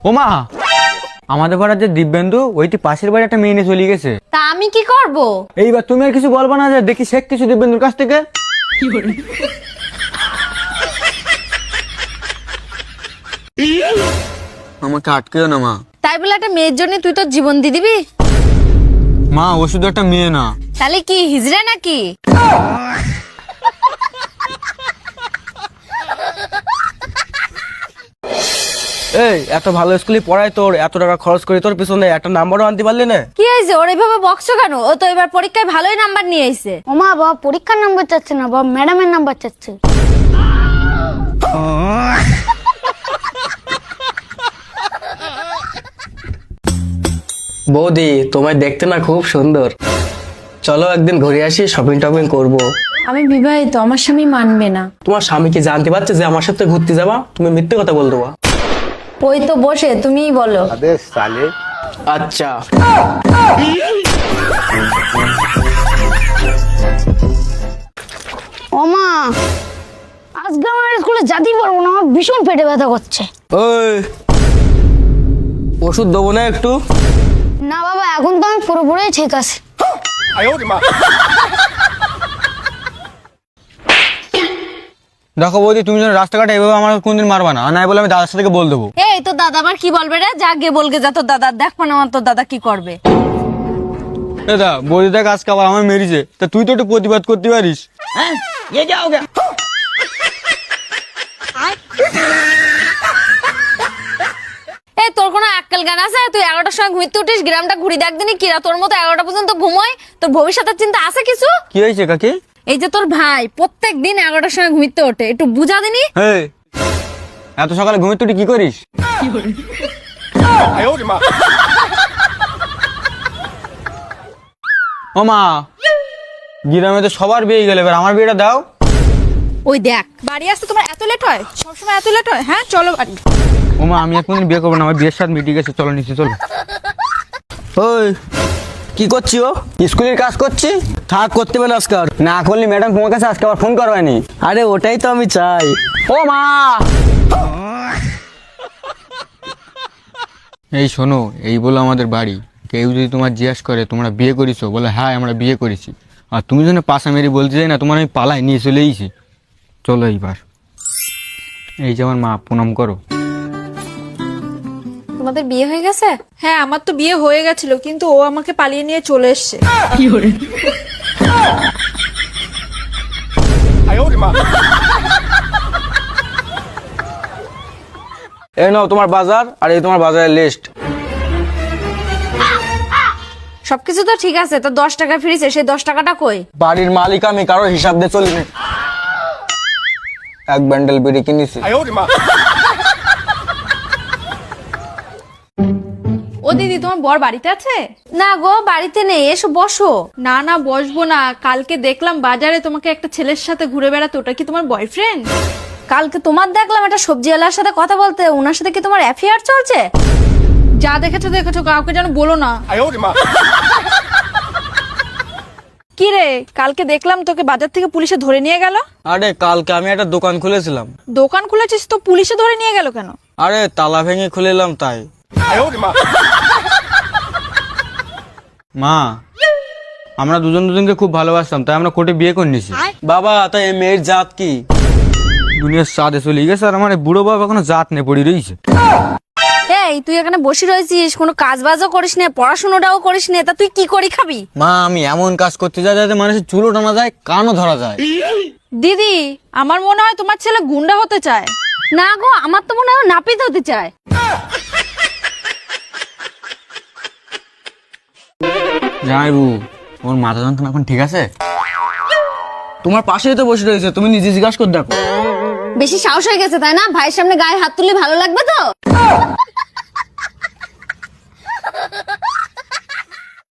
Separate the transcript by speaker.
Speaker 1: ও মা, আমাদের পাড়ার যে দিব্যেন্দু ওইটি পাশের বাড়ি একটা মেয়ে নিয়ে চলে গেছে।
Speaker 2: তা আমি কি করব?
Speaker 1: এইবার তুমি আর কিছু বলবা না, যে দেখি শেখ কিছু দিব্যেন্দুর কাছ থেকে। আমাকে আটকেও না মা।
Speaker 2: তাই বলে একটা মেয়ের জন্য তুই তোর জীবন দিয়ে দিবি?
Speaker 1: মা ও শুধু একটা মেয়ে না।
Speaker 2: তাহলে কি হিজড়া নাকি?
Speaker 3: এই এত ভালো স্কুলে পড়ায়, তোর এত টাকা খরচ করে তোর পিছনে একটা নাম্বারও আনতে পারলি না?
Speaker 2: কি হয়েছে ওর এইভাবে বকছো কেন? ও তো এবার পরীক্ষায় ভালোই নাম্বার নিয়ে এসেছে।
Speaker 4: ও মা, বাবা পরীক্ষার নাম্বার চাচ্ছে না, বাবা ম্যাডামের নাম্বার চাচ্ছে।
Speaker 3: বৌদি, তোমায় দেখতে না খুব সুন্দর, চলো একদিন ঘুরে আসি, শপিং টপিং করবো।
Speaker 2: আমি বিবাহিত, আমার স্বামী মানবে না।
Speaker 3: তোমার স্বামী কি জানতে পারছে যে আমার সাথে ঘুরতে যাবা? তুমি মিথ্যে কথা বল দেবা।
Speaker 2: ওই তো বসে, তুমিই বলো।
Speaker 3: আচ্ছা,
Speaker 4: ও মা, আজকে আমার স্কুলে যেতেই পারবো না, আমার ভীষণ পেটে ব্যথা করছে।
Speaker 3: ওই ওষুধ দেবো না একটু?
Speaker 4: না বাবা, এখন তো আমি পুরোপুরি ঠিক আছি।
Speaker 1: দেখো বৌদি, তুমি যেন রাস্তাঘাটে এভাবে আমার কোনদিন মারবা না, আর নাই বলে আমি দাদার সাথে বল দেবো।
Speaker 2: এই তোর দাদা আবার কি বলবে রে? যা গে বলগে যা তোর দাদা, দেখবো না তোর দাদা কি করবে।
Speaker 1: দাদা বৌদি দেখ আজকে আবার আমার মেরেছে, তা তুই তো একটু প্রতিবাদ করতে পারিস।
Speaker 2: এই তোর কোনো আক্কেল জ্ঞান আছে? তুই 11টার সময় ঘুরতে উঠিস, গ্রামটা ঘুরি দেখ দিনই কিরা তোর মতো 11টা পর্যন্ত ঘুমোয়। তোর ভবিষ্যতের চিন্তা আছে কিছু?
Speaker 1: কি হয়েছে কাকি?
Speaker 2: এই যে তোর ভাই প্রত্যেক দিন 11টার সময় ঘুরতে ওঠে, একটু বুঝা দিনি।
Speaker 1: এই এত সকালে ঘুমিয়ে তুই কি করিস? ও মা, গ্রামে তো সবার বিয়ে গেলে, এবার আমার বিয়েটা দাও।
Speaker 2: ওই দেখ, বাড়ি আসতে তোমার এত লেট হয়? সবসময় এত লেট হয়? হ্যাঁ চলো বাড়ি।
Speaker 1: ও মা, আমি এখন বিয়ে করবো না, আমার বিয়ের সাথে মিটিয়ে গেছে, চলো নিচে চলো।
Speaker 3: ওই কি করছি? ও
Speaker 1: স্কুলের কাজ করছি।
Speaker 3: থাক, করতে হবে না আজকাল।
Speaker 1: না করলে ম্যাডাম তোমার কাছে আজকে আবার ফোন করবেনি।
Speaker 3: আরে ওটাই তো আমি চাই।
Speaker 1: ও মা, এই শোনো, এই বলো আমাদের বাড়ি, কেউ যদি তোমার জিজ্ঞেস করে তোমরা বিয়ে করেছো, বলে হ্যাঁ আমরা বিয়ে করেছি, আর তুমি যেন পাশা মেরে বলতে চাই না তোমার আমি পালাই নিয়ে চলে এসেছি। চলো এইবার, এই যে আমার মা, প্রণাম করো।
Speaker 2: তোমাদের বিয়ে হয়ে গেছে?
Speaker 5: হ্যাঁ, আমার তো বিয়ে হয়ে গেছিল, কিন্তু ও আমাকে পালিয়ে নিয়ে চলে এসছে।
Speaker 3: এই নাও তোমার বাজার, আর এই তোমার বাজারের লিস্ট।
Speaker 2: সবকিছু তো ঠিক আছে, তো 10 টাকা ফিরেছে, সেই 10 টাকাটা কই?
Speaker 3: বাড়ির মালিক আমি, কারো হিসাব দিয়ে চলি না। এক ব্যান্ডেল বিড়ি কিনেছি।
Speaker 5: ও দিদি, তোমার বর বাড়িতে আছে?
Speaker 2: না গো, বাড়িতে নেই, এসো বসো।
Speaker 5: না না, বসবো না। কালকে দেখলাম বাজারে তোমাকে একটা ছেলের সাথে ঘুরে বেড়াতে, ওটা কি তোমার বয়ফ্রেন্ড?
Speaker 2: কালকে তোমার দেখলাম একটা সবজিওয়ালার সাথে কথা বলতে, ওনার সাথে কি তোমার অ্যাফেয়ার চলছে?
Speaker 5: যা দেখেছো দেখেছো, কাউকে যেন বলো না। কি রে, কালকে দেখলাম তোকে বাজার থেকে পুলিশে ধরে নিয়ে গেল।
Speaker 3: আরে কালকে আমি একটা দোকান খুলেছিলাম।
Speaker 5: দোকান খুলেছিস তো পুলিশে ধরে নিয়ে গেল কেন?
Speaker 3: আরে তালা ভেঙে খুলেলাম তাই।
Speaker 1: মা, আমরা দুজন দুজনকে খুব ভালোবাসতাম, তাই আমরা কোর্টে বিয়ে করে নিয়েছি।
Speaker 3: বাবা, তাই এই মেয়ের জাত কি?
Speaker 1: দুনিয়ার সাদে চলে গেছে, আর আমার এই বুড়ো বাবা এখনো জাত নেই, পড়ে রয়েছে।
Speaker 2: এই তুই এখানে বসে রয়েছিস, কোনো কাজ বাজও করিস না, পড়াশোনাটাও করিস না, তা তুই কি করি খাবি?
Speaker 1: মা, আমি এমন কাজ করতে যাই যাতে মানুষের চুলও টানা যায়, কানও ধরা যায়।
Speaker 5: দিদি, আমার মনে হয় তোমার ছেলে গুন্ডা হতে চায়।
Speaker 2: না গো, আমার তো মনে হয় ও নাপিত হতে চায়।
Speaker 1: জামাইবু, ওর মাথা যন্ত্রণা এখন ঠিক আছে?
Speaker 3: তোমার পাশেই তো বসে রয়েছে, তুমি নিজে জিজ্ঞাসা করে দেখো।
Speaker 2: বেশি সাহস হয়ে গেছে তাই না? ভাইয়ের সামনে গায়ে হাত তুললে ভালো লাগবে তো?